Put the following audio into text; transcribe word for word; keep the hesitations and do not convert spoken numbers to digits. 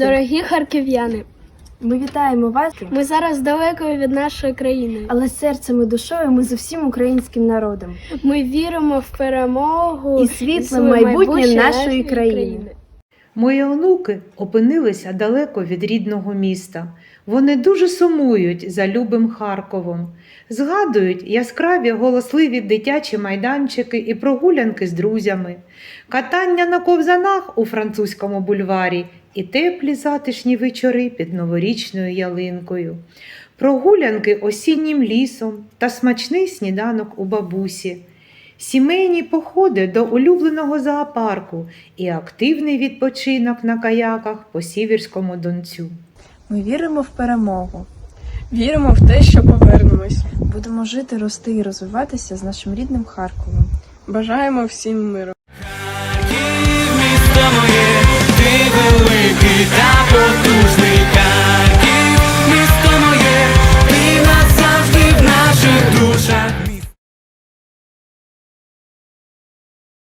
Дорогі харків'яни, Ми вітаємо вас, ми зараз далеко від нашої країни, але серцем і душою ми з усім українським народом. ми віримо в перемогу І світле майбутнє нашої країни. Мої онуки опинилися далеко від рідного міста. Вони дуже сумують за любим Харковом. Згадують яскраві голосливі дитячі майданчики і прогулянки з друзями, катання на ковзанах у французькому бульварі і теплі затишні вечори під новорічною ялинкою, прогулянки осіннім лісом та смачний сніданок у бабусі, сімейні походи до улюбленого зоопарку і активний відпочинок на каяках по Сіверському Донцю. Ми віримо в перемогу. Віримо в те, що повернемось. Будемо жити, рости і розвиватися з нашим рідним Харковом. Бажаємо всім миру. Харків, місто моє.